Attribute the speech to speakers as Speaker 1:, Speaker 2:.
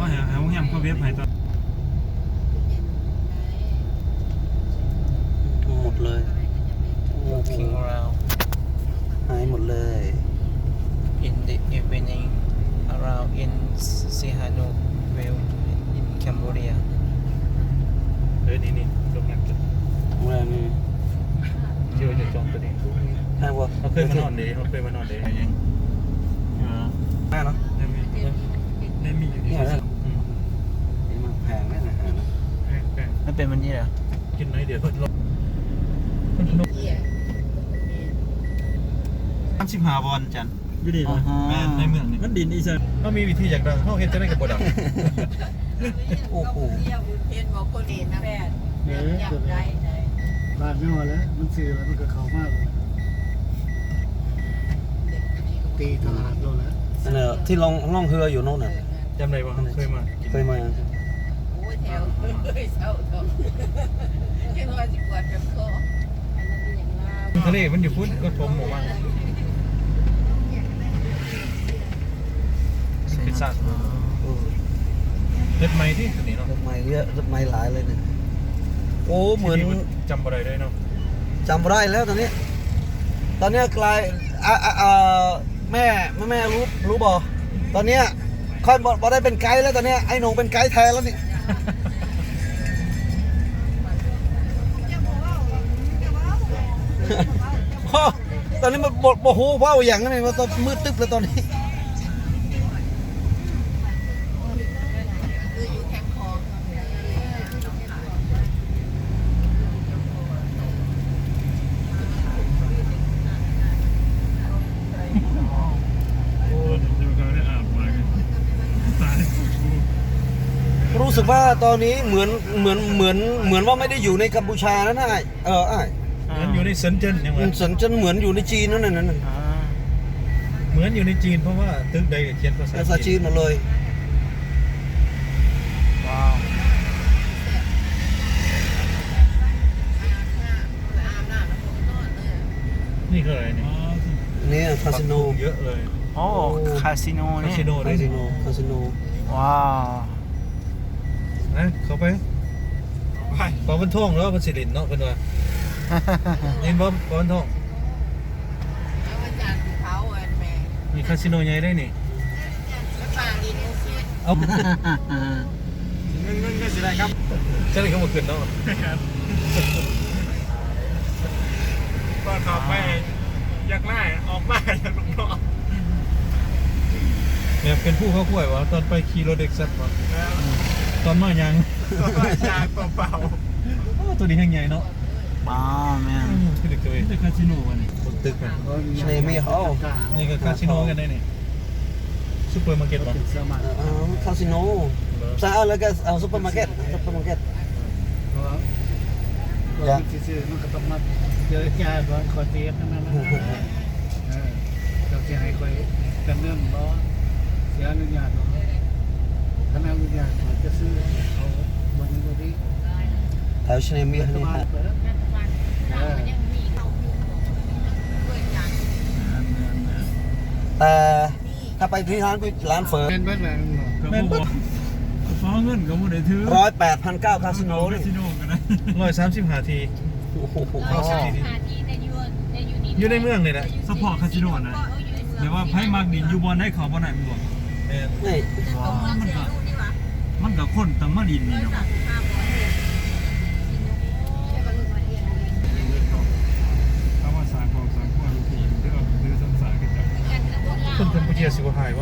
Speaker 1: หาโรงแรมเขาเว็บให้ตอน
Speaker 2: หมดเลย
Speaker 3: walking around
Speaker 2: หายหมดเลย
Speaker 3: in the evening around in Sihanoukville in Cambodia
Speaker 1: นี่โรงแรมจุด
Speaker 2: โรงแรมนี่
Speaker 1: เชื่อจะจองตัวนี้
Speaker 2: แพงกว่า
Speaker 1: เขาเคยมานอนเดย์เขาเคยมานอนเดย์ยัง
Speaker 2: แพงเนาะ
Speaker 1: ได้มีอยู่ที่
Speaker 2: นี่มันแพงแน่นะ
Speaker 1: แพง
Speaker 3: ไม่เป็นวันนี้เหรอ
Speaker 1: กินน้อยเดียวก็ลด35 วอนจันอยู่ดีเลยแม่ในเมืองนี่มันดินอีสานเขามีวิธีอย่างดังเขาเห็นจะได้กับบดัง
Speaker 2: โอ้โห
Speaker 4: เห็นบอกคนเห็นนะแม่อยากได้ไหน
Speaker 5: บ้านไม่พอแล้วมันซื้อแล้วมันก็เขามากเลยตีตลาดโลแล้ว
Speaker 2: นั่นแหละที่ล่องเรืออยู่โน่นน่ะ
Speaker 1: จำได้ว่าเคยมา
Speaker 2: เคยมา
Speaker 4: โอ้ยแถวเฮ้ยเศร้าท้องยังว่าสิปวดกับคออันนั้นเป็นอย่างลาว
Speaker 1: ทะเลมันอยู่พุ่นก็ชมหมู่บ้านพิซซ่าเล็ดไม้ที่ตัวนี้เนาะ
Speaker 2: รถไม้เยอะรถไม้หลายเลยเนี่ยโอ้เหมือน
Speaker 1: จำอะไรได้เนาะ
Speaker 2: จำไม่ได้แล้วตอนนี้กลายแม่รู้บ่ตอนเนี้ยค่อยบอกได้เป็นไกด์แล้วตอนเนี้ยไอ้หนงเป็นไกด์แทนแล้วนี่ ตอนนี้มันบหูเว้าอย่างนี้มันตอนมืดตึ๊บแล้วตอนนี้
Speaker 4: คืออยู่แคมป์คลอง
Speaker 1: โอ้ดูเขาได้อาบมาตาย
Speaker 2: รู้สึกว่าตอนนี้เหมือนว่าไม่ได้อยู่ในกัมพูชาแล้วนะอ้าย
Speaker 1: มันอยู่ในเซินเจิ้นยังไง
Speaker 2: มันสันจะเหมือนอยู่ในจีนนั่นน่ะ
Speaker 1: เหมือนอยู่ในจีนเพราะว่าตึกใดเขียนภาษา
Speaker 2: ภาษาจีนหมดเลย
Speaker 3: ว้าว
Speaker 4: อาบน้ำแล้วผมนอนเลย
Speaker 1: นี่คืออะไรเนี่ย
Speaker 2: นี่คาสิโน
Speaker 1: เยอะเลย
Speaker 3: โอ้คาสิโน
Speaker 1: คา
Speaker 3: นี่
Speaker 1: สิโน
Speaker 2: คาสิโนคาสิโน
Speaker 3: ว้าว
Speaker 1: นะเขาไปปอบันท่องแล้วพันสิรินเนาะเป็นว่านี่บ่ปอบันท่อง
Speaker 4: แล้ววันจันทร์ภูเขาอันแม่
Speaker 1: มีคาสิโนใหญ่ได้นี่
Speaker 4: แล้วป่าดินเสีย
Speaker 1: เอา
Speaker 5: เงินก็สิได้ครับ
Speaker 1: จะได้เข้ามาขึ้นเนาะ
Speaker 5: ก็ขับไปอยากไล่ออกมาจากลูกน้อง
Speaker 1: เนี่ยเป็นผู้เข้าคุ้ยวะตอนไปขี่รถเด็กซัดวะตอนมายัง
Speaker 5: ยาเปล่า
Speaker 1: โอ้ตัวนี้แห้งใหญ่เนาะ
Speaker 3: ว้าวแม่น
Speaker 1: คือเด็กตัวเองคาสิโนวันนี้บนตึกมัน
Speaker 2: ใช่ไหมเขา
Speaker 1: นี่ก็คาสิโนกันได้นี่ซุปเปอร์มาร์เก็ตวะ
Speaker 5: เป็นเสื้อมัน
Speaker 2: คาสิโนซาแล้วก็เอาซุปเปอร์มาร์เก็ต
Speaker 5: เพราะว่าซื้อมันก็ต้องมาเจอยาบอลคอเตียนั่นนะเราจะให้คอยกันเนื่องบ่เสียอนุญาตบ่ถ้าไม่อนุญาตจะซื้อเอาบนนี้
Speaker 2: แถวชเนมีนี่ฮะ
Speaker 4: ยังมีเขาอยู่ด้วยกัน
Speaker 2: แต่ถ้าไปที่ร้านเฟิร์
Speaker 5: เป็นเบิ้ลแรง
Speaker 1: แม่นปุ๊บ
Speaker 6: ฟ้าเงินก็บ่ได้ถือ
Speaker 2: 108,900คาสิโนนี่
Speaker 6: คาสิโนกันนะ
Speaker 1: 135 ที
Speaker 2: โอ้โห
Speaker 1: เข้าสิทีอยู่ในเมืองนี่แหละ
Speaker 6: สปอร์ตคาสิโนนะเดี๋ยวว่าไพ่มักดินอยู่บอลได้เขาบ่ได้มันบ่
Speaker 1: เนี่ย
Speaker 2: นี่
Speaker 6: มันก็คนตั้งมาดินนี่เนาะถ้าว่าสากของสากว่าทีมที่เราซื้อสัมสากันจัง
Speaker 1: คนกัมพูชาสิว่าหายวะ